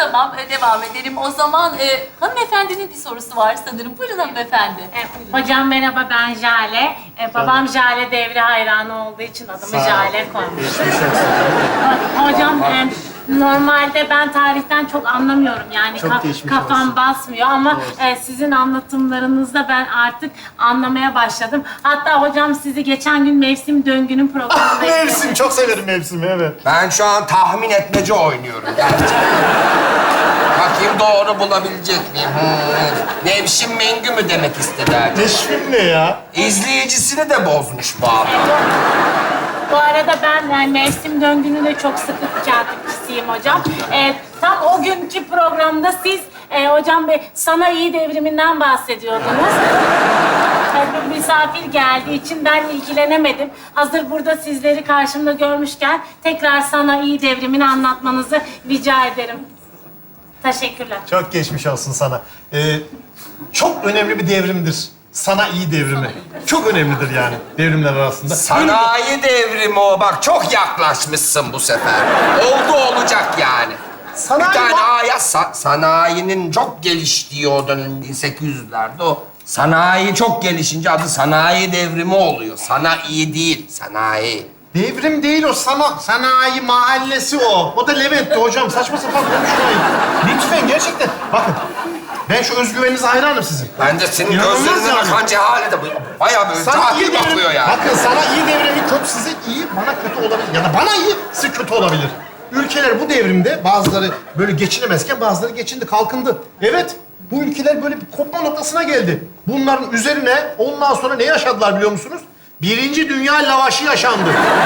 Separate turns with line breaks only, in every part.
Tamam, devam edelim. O zaman hanımefendinin bir sorusu var sanırım. Buyurun hanımefendi.
Hocam merhaba, ben Jale. Babam Jale Devri hayranı olduğu için adımı Jale koymuş. Hocam normalde ben tarihten çok anlamıyorum. Yani kafam basmıyor ama sizin anlatımlarınızda ben artık anlamaya başladım. Hatta hocam sizi geçen gün Mevsim Döngü'nün programında
Mevsim, çok severim mevsimi, evet.
Ben şu an tahmin etmece oynuyorum gerçekten. Bakayım doğru bulabilecek miyim? Nevşin Mengü mü demek istedi acaba?
Neşvin ne ya?
İzleyicisini de bozmuş bu adam.
Bu arada ben yani Mevsim Döngü'nün de çok sıkı takipçisiyim hocam. Tam o günkü programda siz hocam sanayi devriminden bahsediyordunuz. Bir misafir geldiği için ben ilgilenemedim. Hazır burada sizleri karşımda görmüşken tekrar sanayi devrimini anlatmanızı rica ederim. Teşekkürler.
Çok geçmiş olsun sana. Çok önemli bir devrimdir. Sanayi devrimi. Çok önemlidir yani devrimler arasında.
Sanayi devrimi o. Bak çok yaklaşmışsın bu sefer. Oldu olacak yani.
Sanayi
bir tane
var.
ayet sanayinin çok geliştiği o dönem 1800'lerde o. Sanayi çok gelişince adı sanayi devrimi oluyor. Sanayi değil, sanayi.
Devrim değil o, sanayi mahallesi o. O da Levent'ti hocam. Saçma sapan konuşmayın. Lütfen gerçekten. Bakın, ben şu özgüveninize hayranım sizin.
Ben de senin
İnanılmaz
gözlerine
yani.
bakan cehalete bayağı böyle cahil bakıyor yani.
Bakın sana iyi devrimi kötü, size iyi, bana kötü olabilir. Ya da bana iyi, size kötü olabilir. Ülkeler bu devrimde bazıları böyle geçinemezken bazıları geçindi, kalkındı. Evet, bu ülkeler böyle bir kopma noktasına geldi. Bunların üzerine ondan sonra ne yaşadılar biliyor musunuz? Birinci Dünya Lavaşı yaşandı.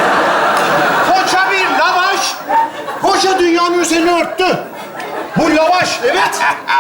Koca bir lavaş, koca dünyanın üzerine örttü. Bu lavaş, evet.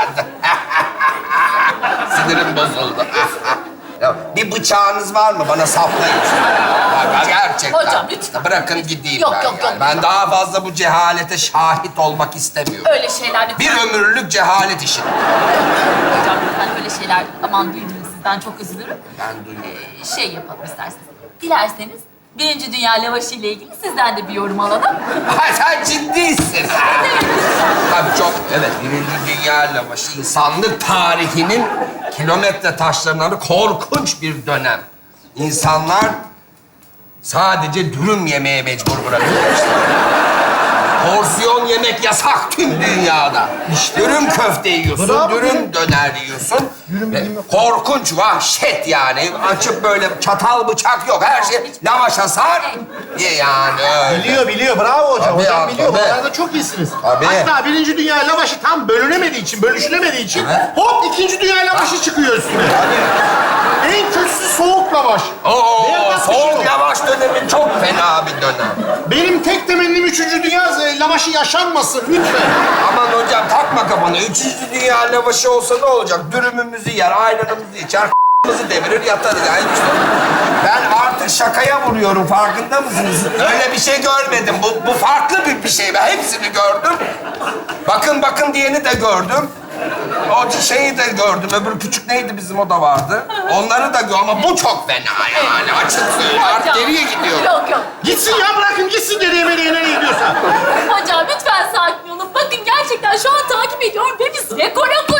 Sinirim bozuldu. Ya, bir bıçağınız var mı? Bana saplayın. Bak, gerçekten.
Hocam, lütfen.
Bırakın gideyim
Yok,
ben
yok,
yani.
yok.
Ben daha fazla bu cehalete şahit olmak istemiyorum.
Öyle şeyler lütfen.
Bir ömürlük cehalet işi.
Hocam lütfen öyle şeyler, aman duydum sizden, çok üzülürüm.
Ben duyuyorum.
Şey yapalım isterseniz. Dilerseniz Birinci Dünya Lavaşı ile ilgili sizden de bir yorum alalım.
Ha, sen ciddisin. Tabii çok, evet. Birinci Dünya Lavaşı insanlık tarihinin kilometre taşlarından korkunç bir dönem. İnsanlar sadece dürüm yemeye mecbur bırakılmışlar. Porsiyon yemek yasak tüm dünyada. Dürüm köfte yiyorsun,
Bravo.
dürüm döner yiyorsun.
Dürüm
Ve
yiyeyim yok.
korkunç, vahşet yani. Açıp böyle çatal bıçak yok, her şey lavaşa sar. Ye yani öyle.
Biliyor. Bravo hocam.
Tabii
hocam
ya,
biliyor.
tabii.
Bunlarda çok iyisiniz.
Tabii.
Hatta Birinci Dünya Lavaşı tam bölünemediği için, bölüşülemediği için
Evet.
hop İkinci Dünya Lavaşı çıkıyor üstüne. En kötüsü soğuk lavaş.
Oo,
Berbat bir şey
soğuk
o.
lavaş dönemi çok fena bir dönem.
Benim tek temennim Üçüncü Dünya Lavaşı yaşanmasın lütfen.
Aman hocam takma kafana. Üçüncü Dünya Lavaşı olsa ne olacak? Dürümümüzü yer, ayranımızı içer, devirir yatarız. Yani işte ben artık şakaya vuruyorum, farkında mısınız? Öyle bir şey görmedim. Bu farklı bir şey. Ben hepsini gördüm. Bakın diyeni de gördüm. O şeyi de gördüm. Öbür küçük neydi bizim, o da vardı. Onları da gördüm ama bu çok fena yani. Açık söyleyeyim. Artık
Hocam,
geriye gidiyorum.
Yok.
Gitsin ya, bırakın gitsin nereye nereye gidiyorsa.
Hocam lütfen sakin olun. Bakın gerçekten şu an takip ediyorum ve biz rekora